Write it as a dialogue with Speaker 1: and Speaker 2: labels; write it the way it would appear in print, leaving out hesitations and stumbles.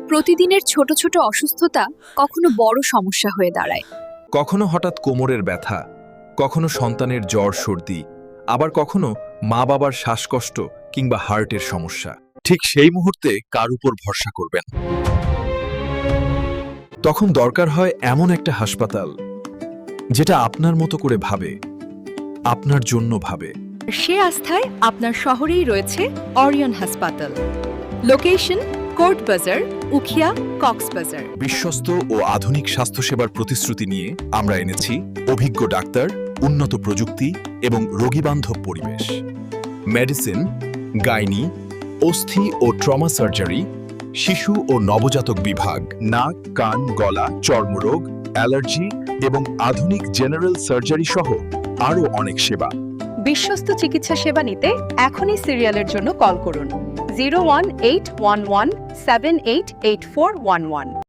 Speaker 1: প্রতিদিনের ছোট ছোট অসুস্থতা কখনো বড় সমস্যা হয়ে দাঁড়ায়।
Speaker 2: কখনো হঠাৎ কোমরের ব্যথা, কখনো সন্তানের জ্বর সর্দি, আবার কখনো মা বাবার শ্বাসকষ্ট কিংবা হার্টের সমস্যা। ঠিক সেই মুহূর্তে কার উপর ভরসা করবেন? তখন দরকার হয় এমন একটা হাসপাতাল যেটা আপনার মতো করে ভাবে, আপনার জন্য ভাবে।
Speaker 3: সে আস্থায় আপনার শহরেই রয়েছে অরিয়ন হাসপাতাল। লোকেশন কোর্ট বাজার, উখিয়া, কক্সবাজার।
Speaker 2: বিশ্বস্ত ও আধুনিক স্বাস্থ্যসেবার প্রতিশ্রুতি নিয়ে আমরা এনেছি অভিজ্ঞ ডাক্তার, উন্নত প্রযুক্তি এবং রোগীবান্ধব পরিবেশ। মেডিসিন, গাইনি, অস্থি ও ট্রমা সার্জারি, শিশু ও নবজাতক বিভাগ, নাক, কান, গলা, চর্মরোগ, অ্যালার্জি এবং আধুনিক জেনারেল সার্জারি সহ আরও অনেক সেবা।
Speaker 3: বিশ্বস্ত চিকিৎসা সেবা নিতে এখনই সিরিয়ালের জন্য কল করুন 01811 788411।